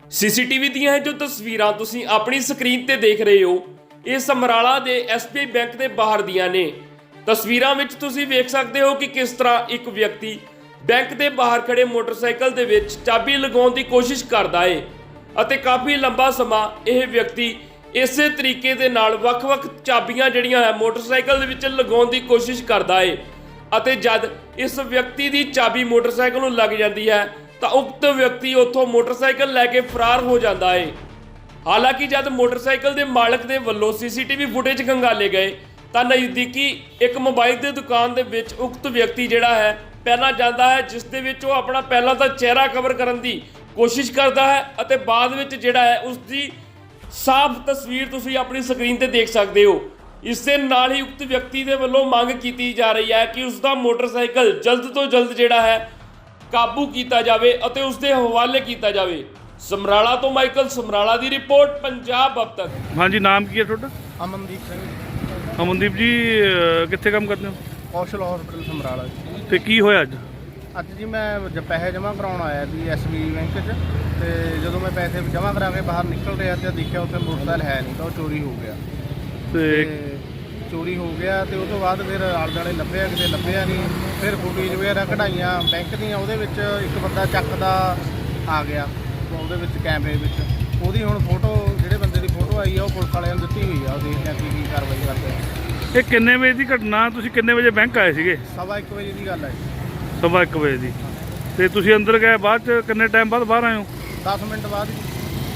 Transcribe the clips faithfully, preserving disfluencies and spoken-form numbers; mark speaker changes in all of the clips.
Speaker 1: CCTV ਦੀਆਂ ਇਹ ਜੋ ਤਸਵੀਰਾਂ ਤੁਸੀਂ ਆਪਣੀ ਸਕਰੀਨ ਤੇ ਦੇਖ ਰਹੇ ਹੋ, ਇਹ ਸਮਰਾਲਾ ਦੇ ਐਸਬੀਆਈ ਬੈਂਕ ਦੇ ਬਾਹਰ ਦੀਆਂ ਨੇ। ਤਸਵੀਰਾਂ ਵਿੱਚ ਤੁਸੀਂ ਵੇਖ ਸਕਦੇ ਹੋ ਕਿ ਕਿਸ ਤਰ੍ਹਾਂ ਇੱਕ ਵਿਅਕਤੀ ਬੈਂਕ ਦੇ ਬਾਹਰ ਖੜੇ ਮੋਟਰਸਾਈਕਲ ਦੇ ਵਿੱਚ ਚਾਬੀ ਲਗਾਉਣ ਦੀ ਕੋਸ਼ਿਸ਼ ਕਰਦਾ ਹੈ ਅਤੇ ਕਾਫੀ ਲੰਬਾ ਸਮਾਂ ਇਹ ਵਿਅਕਤੀ ਇਸੇ ਤਰੀਕੇ ਦੇ ਨਾਲ ਵੱਖ-ਵੱਖ ਚਾਬੀਆਂ ਜਿਹੜੀਆਂ ਹੈ ਮੋਟਰਸਾਈਕਲ ਦੇ ਵਿੱਚ ਲਗਾਉਣ ਦੀ ਕੋਸ਼ਿਸ਼ ਕਰਦਾ ਹੈ ਅਤੇ ਜਦ ਇਸ ਵਿਅਕਤੀ ਦੀ ਚਾਬੀ ਮੋਟਰਸਾਈਕਲ ਨੂੰ ਲੱਗ ਜਾਂਦੀ ਹੈ ਤਾਂ ਉਕਤ ਵਿਅਕਤੀ ਉੱਥੋਂ ਮੋਟਰਸਾਈਕਲ ਲੈ ਕੇ ਫਰਾਰ ਹੋ ਜਾਂਦਾ ਹੈ। ਹਾਲਾਂਕਿ ਜਦ ਮੋਟਰਸਾਈਕਲ ਦੇ ਮਾਲਕ ਦੇ ਵੱਲੋਂ ਸੀਸੀਟੀਵੀ ਫੁਟੇਜ ਖੰਗਾਲੇ ਗਏ ਤਾਂ ਨਜ਼ਦੀਕੀ ਇੱਕ ਮੋਬਾਈਲ ਦੀ ਦੁਕਾਨ ਦੇ ਵਿੱਚ ਉਕਤ ਵਿਅਕਤੀ ਜਿਹੜਾ ਹੈ ਪਹਿਲਾਂ ਜਾਂਦਾ ਹੈ, ਜਿਸ ਦੇ ਵਿੱਚ ਉਹ ਆਪਣਾ ਪਹਿਲਾਂ ਤਾਂ ਚਿਹਰਾ ਕਵਰ ਕਰਨ ਦੀ ਕੋਸ਼ਿਸ਼ ਕਰਦਾ ਹੈ ਅਤੇ ਬਾਅਦ ਵਿੱਚ ਜਿਹੜਾ ਹੈ ਉਸ ਦੀ ਸਾਫ਼ ਤਸਵੀਰ ਤੁਸੀਂ ਆਪਣੀ ਸਕਰੀਨ ਤੇ ਦੇਖ ਸਕਦੇ ਹੋ। ਇਸ ਦੇ ਨਾਲ ਹੀ ਉਕਤ ਵਿਅਕਤੀ ਦੇ ਵੱਲੋਂ ਮੰਗ ਕੀਤੀ ਜਾ ਰਹੀ ਹੈ ਕਿ ਉਸ ਦਾ ਮੋਟਰਸਾਈਕਲ ਜਲਦ ਤੋਂ ਜਲਦ ਜਿਹੜਾ ਹੈ ਕਾਬੂ ਕੀਤਾ ਜਾਵੇ ਅਤੇ ਉਸ ਦੇ ਹਵਾਲੇ ਕੀਤਾ ਜਾਵੇ। ਸਮਰਾਲਾ ਤੋਂ ਮਾਈਕਲ ਸਮਰਾਲਾ ਦੀ ਰਿਪੋਰਟ, ਪੰਜਾਬ ਅਬ ਤੱਕ।
Speaker 2: हाँ जी, नाम की है छोटा?
Speaker 3: ਅਮਨਦੀਪ ਸਿੰਘ,
Speaker 2: ਅਮਨਦੀਪ ਜੀ ਅਹ ਕਿੱਥੇ ਕੰਮ ਕਰਦੇ ਹੋ
Speaker 3: ਕੌਸ਼ਲ ਹਸਪੀਟਲ ਸਮਰਾਲਾ ਜੀ।
Speaker 2: ਤੇ ਕੀ ਹੋਇਆ ਅੱਜ?
Speaker 3: ਅੱਜ ਜੀ ਮੈਂ ਜ ਪੈਸੇ ਜਮ੍ਹਾਂ ਕਰਾਉਣ ਆਇਆ ਸੀ ਐਸਬੀ ਬੈਂਕ 'ਚ, ਤੇ ਜਦੋਂ ਮੈਂ ਪੈਸੇ ਜਮ੍ਹਾਂ ਕਰਾ ਕੇ ਬਾਹਰ ਨਿਕਲ ਰਿਹਾ ਤੇ ਦੇਖਿਆ ਉੱਥੇ ਮੋਟਰਸਾਈਕਲ ਹੈ ਨਹੀਂ, ਤਾਂ ਉਹ ਚੋਰੀ ਹੋ ਗਿਆ।
Speaker 2: ਤੇ
Speaker 3: ਤੇ ਚੋਰੀ ਹੋ ਗਿਆ ਤੇ ਉਸ ਤੋਂ ਬਾਅਦ ਫਿਰ ਆਲੇ ਦੁਆਲੇ ਲੱਭਿਆ, ਕਿਤੇ ਲੱਭਿਆ ਨਹੀਂ। ਫਿਰ ਫੁਟੇਜ ਵਗੈਰਾ ਕਢਾਈਆਂ ਬੈਂਕ ਦੀਆਂ, ਉਹਦੇ ਵਿੱਚ ਇੱਕ ਬੰਦਾ ਚੱਕਦਾ ਆ ਗਿਆ ਉਹਦੇ ਵਿੱਚ ਕੈਮਰੇ ਵਿੱਚ। ਉਹਦੀ ਹੁਣ ਫੋਟੋ, ਜਿਹੜੇ ਬੰਦੇ ਦੀ ਫੋਟੋ ਆਈ ਆ ਉਹ ਪੁਲਿਸ ਵਾਲਿਆਂ ਨੂੰ ਦਿੱਤੀ ਹੋਈ ਆ, ਉਹ ਦੇਖਦੇ ਆ ਕੀ ਕੀ ਕਾਰਵਾਈ ਕਰਦੇ ਆ।
Speaker 2: ਇਹ ਕਿੰਨੇ ਵਜੇ ਦੀ ਘਟਨਾ? ਤੁਸੀਂ ਕਿੰਨੇ ਵਜੇ ਬੈਂਕ ਆਏ ਸੀਗੇ?
Speaker 3: ਸਵਾ ਇੱਕ ਵਜੇ ਦੀ ਗੱਲ ਹੈ ਜੀ।
Speaker 2: ਸਵਾ ਇੱਕ ਵਜੇ ਦੀ। ਤੇ ਤੁਸੀਂ ਅੰਦਰ ਗਏ ਬਾਅਦ ਚ ਕਿੰਨੇ ਟਾਈਮ ਬਾਅਦ ਬਾਹਰ ਆਏ ਹੋ?
Speaker 3: ਦਸ ਮਿੰਟ ਬਾਅਦ ਜੀ।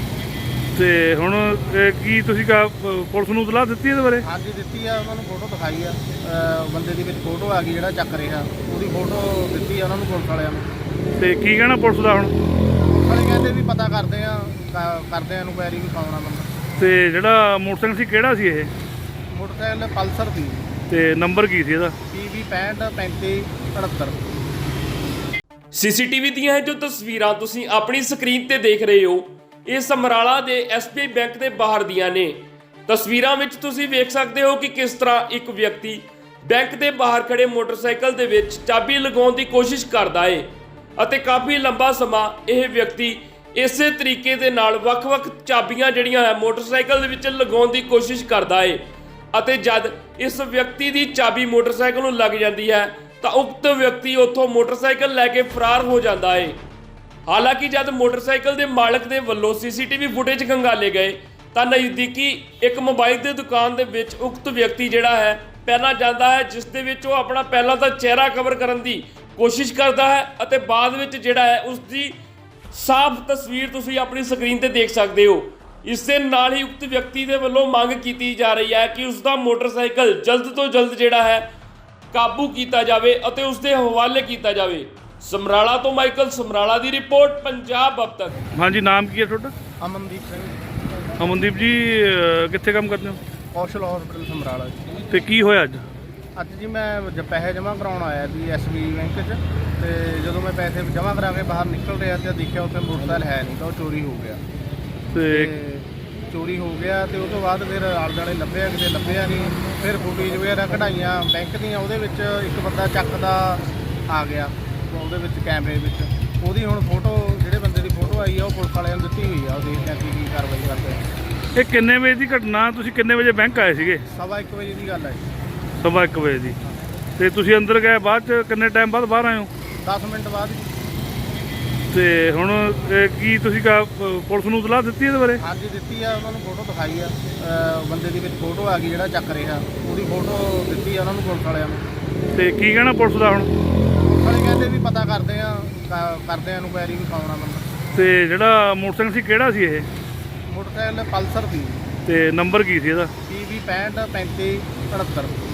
Speaker 2: ਤੇ ਹੁਣ ਇਹ ਕੀ ਤੁਸੀਂ ਕਾ ਪੁਲਿਸ ਨੂੰ ਇਤਲਾਹ ਦਿੱਤੀ ਇਹਦੇ ਬਾਰੇ?
Speaker 3: ਹਾਂਜੀ ਦਿੱਤੀ ਆ, ਉਹਨਾਂ ਨੂੰ ਫੋਟੋ ਦਿਖਾਈ ਆ, ਅਹ ਬੰਦੇ ਦੀ ਵਿੱਚ ਫੋਟੋ ਆ ਗਈ ਜਿਹੜਾ ਚੱਕ ਰਿਹਾ, ਉਹਦੀ ਫੋਟੋ ਦਿੱਤੀ ਆ ਉਹਨਾਂ ਨੂੰ ਪੁਲਿਸ ਵਾਲਿਆਂ ਨੂੰ।
Speaker 2: ਤੇ ਕੀ ਕਹਿਣਾ ਪੁਲਿਸ ਦਾ ਹੁਣ?
Speaker 3: ਪੁਲਿਸ ਵਾਲੇ ਕਹਿੰਦੇ ਵੀ ਪਤਾ ਕਰਦੇ ਆ, ਕ- ਕਰਦੇ ਆ ਇਨਕੁਆਇਰੀ ਵੀ ਪਾਉਣਾ ਬੰਦਾ।
Speaker 2: ਤੇ ਜਿਹੜਾ ਮੋਟਰਸਾਈਕਲ ਸੀ ਕਿਹੜਾ ਸੀ ਇਹ?
Speaker 3: ਮੋਟਰਸਾਈਕਲ ਪਲਸਰ ਦੀ,
Speaker 2: ਤੇ ਨੰਬਰ ਕੀ ਸੀ ਇਹਦਾ?
Speaker 3: ਪੀ ਵੀ ਪੈਂਹਠ ਪੈਂਤੀ ਅਠੱਤਰ।
Speaker 1: ਸੀਸੀਟੀਵੀ ਦੀਆਂ ਇਹ ਜੋ ਤਸਵੀਰਾਂ ਤੁਸੀਂ ਆਪਣੀ ਸਕਰੀਨ ਤੇ ਦੇਖ ਰਹੇ ਹੋ, ਇਹ ਸਮਰਾਲਾ ਦੇ ਐਸਬੀਆਈ ਬੈਂਕ ਦੇ ਬਾਹਰ ਦੀਆਂ ਨੇ। ਤਸਵੀਰਾਂ ਵਿੱਚ ਤੁਸੀਂ ਵੇਖ ਸਕਦੇ ਹੋ ਕਿ ਕਿਸ ਤਰ੍ਹਾਂ ਇੱਕ ਵਿਅਕਤੀ ਬੈਂਕ ਦੇ ਬਾਹਰ ਖੜੇ ਮੋਟਰਸਾਈਕਲ ਦੇ ਵਿੱਚ ਚਾਬੀ ਲਗਾਉਣ ਦੀ ਕੋਸ਼ਿਸ਼ ਕਰਦਾ ਹੈ ਅਤੇ ਕਾਫੀ ਲੰਬਾ ਸਮਾਂ ਇਹ ਵਿਅਕਤੀ ਇਸੇ ਤਰੀਕੇ ਦੇ ਨਾਲ ਵੱਖ-ਵੱਖ ਚਾਬੀਆਂ ਜਿਹੜੀਆਂ ਹੈ ਮੋਟਰਸਾਈਕਲ ਦੇ ਵਿੱਚ ਲਗਾਉਣ ਦੀ ਕੋਸ਼ਿਸ਼ ਕਰਦਾ ਹੈ ਅਤੇ ਜਦ ਇਸ ਵਿਅਕਤੀ ਦੀ ਚਾਬੀ ਮੋਟਰਸਾਈਕਲ ਨੂੰ ਲੱਗ ਜਾਂਦੀ ਹੈ ਤਾਂ ਉਕਤ ਵਿਅਕਤੀ ਉੱਥੋਂ ਮੋਟਰਸਾਈਕਲ ਲੈ ਕੇ ਫਰਾਰ ਹੋ ਜਾਂਦਾ ਹੈ। ਹਾਲਾਂਕਿ ਜਦ ਮੋਟਰਸਾਈਕਲ ਦੇ ਮਾਲਕ ਦੇ ਵੱਲੋਂ ਸੀਸੀਟੀਵੀ ਫੁਟੇਜ ਖੰਗਾਲੇ ਗਏ ਤਾਂ ਨਜ਼ਦੀਕੀ ਇੱਕ ਮੋਬਾਈਲ ਦੀ ਦੁਕਾਨ ਦੇ ਵਿੱਚ ਉਕਤ ਵਿਅਕਤੀ ਜਿਹੜਾ ਹੈ ਪਹਿਲਾਂ ਜਾਂਦਾ ਹੈ, ਜਿਸ ਦੇ ਵਿੱਚ ਉਹ ਆਪਣਾ ਪਹਿਲਾਂ ਤਾਂ ਚਿਹਰਾ ਕਵਰ ਕਰਨ ਦੀ ਕੋਸ਼ਿਸ਼ ਕਰਦਾ ਹੈ ਅਤੇ ਬਾਅਦ ਵਿੱਚ ਜਿਹੜਾ ਹੈ ਉਸ ਦੀ ਸਾਫ਼ ਤਸਵੀਰ ਤੁਸੀਂ ਆਪਣੀ ਸਕਰੀਨ ਤੇ ਦੇਖ ਸਕਦੇ ਹੋ। ਇਸ ਦੇ ਨਾਲ ਹੀ ਉਕਤ ਵਿਅਕਤੀ ਦੇ ਵੱਲੋਂ ਮੰਗ ਕੀਤੀ ਜਾ ਰਹੀ ਹੈ ਕਿ ਉਸ ਦਾ ਮੋਟਰਸਾਈਕਲ ਜਲਦ ਤੋਂ ਜਲਦ ਜਿਹੜਾ ਹੈ ਕਾਬੂ ਕੀਤਾ ਜਾਵੇ ਅਤੇ ਉਸ ਦੇ ਹਵਾਲੇ ਕੀਤਾ ਜਾਵੇ। ਸਮਰਾਲਾ ਤੋਂ ਮਾਈਕਲ ਸਮਰਾਲਾ ਦੀ ਰਿਪੋਰਟ, ਪੰਜਾਬ ਅਬ ਤੱਕ।
Speaker 2: हाँ जी, नाम की है छोटा?
Speaker 3: ਅਮਨਦੀਪ ਸਿੰਘ,
Speaker 2: ਅਮਨਦੀਪ ਜੀ ਅਹ ਕਿੱਥੇ ਕੰਮ ਕਰਦੇ ਹੋ?
Speaker 3: ਕੌਸ਼ਲ ਹਸਪੀਟਲ ਸਮਰਾਲਾ ਜੀ।
Speaker 2: ਤੇ ਕੀ ਹੋਇਆ ਅੱਜ?
Speaker 3: ਅੱਜ ਜੀ ਮੈਂ ਜ ਪੈਸੇ ਜਮ੍ਹਾਂ ਕਰਾਉਣ ਆਇਆ ਸੀ ਐਸਬੀ ਬੈਂਕ 'ਚ, ਤੇ ਜਦੋਂ ਮੈਂ ਪੈਸੇ ਜਮ੍ਹਾਂ ਕਰਾ ਕੇ ਬਾਹਰ ਨਿਕਲ ਰਿਹਾ ਤੇ ਦੇਖਿਆ ਉੱਥੇ ਮੋਟਰਸਾਈਕਲ ਹੈ ਨਹੀਂ, ਤਾਂ ਉਹ ਚੋਰੀ ਹੋ ਗਿਆ।
Speaker 2: ਤੇ
Speaker 3: ਤੇ ਚੋਰੀ ਹੋ ਗਿਆ ਤੇ ਉਸ ਤੋਂ ਬਾਅਦ ਫਿਰ ਆਲੇ ਦੁਆਲੇ ਲੱਭਿਆ, ਕਿਤੇ ਲੱਭਿਆ ਨਹੀਂ। ਫਿਰ ਫੁਟੇਜ ਵਗੈਰਾ ਕਢਾਈਆਂ ਬੈਂਕ ਦੀਆਂ, ਉਹਦੇ ਵਿੱਚ ਇੱਕ ਬੰਦਾ ਚੱਕਦਾ ਆ ਗਿਆ ਉਹਦੇ ਵਿੱਚ ਕੈਮਰੇ ਵਿੱਚ। ਉਹਦੀ ਹੁਣ ਫੋਟੋ, ਜਿਹੜੇ ਬੰਦੇ ਦੀ ਫੋਟੋ ਆਈ ਆ ਉਹ ਪੁਲਿਸ ਵਾਲਿਆਂ ਨੂੰ ਦਿੱਤੀ ਹੋਈ ਆ, ਉਹ ਦੇਖਦੇ ਆ ਕੀ ਕੀ ਕਾਰਵਾਈ ਕਰਦੇ ਆ।
Speaker 2: ਇਹ ਕਿੰਨੇ ਵਜੇ ਦੀ ਘਟਨਾ? ਤੁਸੀਂ ਕਿੰਨੇ ਵਜੇ ਬੈਂਕ ਆਏ ਸੀਗੇ?
Speaker 3: ਸਵਾ ਇੱਕ ਵਜੇ ਦੀ ਗੱਲ ਹੈ ਜੀ।
Speaker 2: ਸਵਾ ਇੱਕ ਵਜੇ ਦੀ। ਤੇ ਤੁਸੀਂ ਅੰਦਰ ਗਏ ਬਾਅਦ ਚ ਕਿੰਨੇ ਟਾਈਮ ਬਾਅਦ ਬਾਹਰ ਆਏ ਹੋ?
Speaker 3: ਦਸ ਮਿੰਟ ਬਾਅਦ ਜੀ।
Speaker 2: ਤੇ ਹੁਣ ਇਹ ਕੀ ਤੁਸੀਂ ਕਾ ਪੁਲਿਸ ਨੂੰ ਇਤਲਾਹ ਦਿੱਤੀ ਇਹਦੇ ਬਾਰੇ?
Speaker 3: ਹਾਂਜੀ ਦਿੱਤੀ ਆ, ਉਹਨਾਂ ਨੂੰ ਫੋਟੋ ਦਿਖਾਈ ਆ, ਅਹ ਬੰਦੇ ਦੀ ਵਿੱਚ ਫੋਟੋ ਆ ਗਈ ਜਿਹੜਾ ਚੱਕ ਰਿਹਾ, ਉਹਦੀ ਫੋਟੋ ਦਿੱਤੀ ਆ ਉਹਨਾਂ ਨੂੰ ਪੁਲਿਸ ਵਾਲਿਆਂ ਨੂੰ।
Speaker 2: ਤੇ ਕੀ ਕਹਿਣਾ ਪੁਲਿਸ ਦਾ ਹੁਣ?
Speaker 3: ਪੁਲਿਸ ਵਾਲੇ ਕਹਿੰਦੇ ਵੀ ਪਤਾ ਕਰਦੇ ਆ, ਕ- ਕਰਦੇ ਆ ਇਨਕੁਆਇਰੀ ਵੀ ਪਾਉਣਾ ਬੰਦਾ।
Speaker 2: ਤੇ ਜਿਹੜਾ ਮੋਟਰਸਾਈਕਲ ਸੀ ਕਿਹੜਾ ਸੀ ਇਹ?
Speaker 3: ਮੋਟਰਸਾਈਕਲ ਪਲਸਰ ਦੀ,
Speaker 2: ਤੇ ਨੰਬਰ ਕੀ ਸੀ ਇਹਦਾ?
Speaker 3: ਪੀ ਵੀ ਪੈਂਹਠ ਪੈਂਤੀ ਅਠੱਤਰ।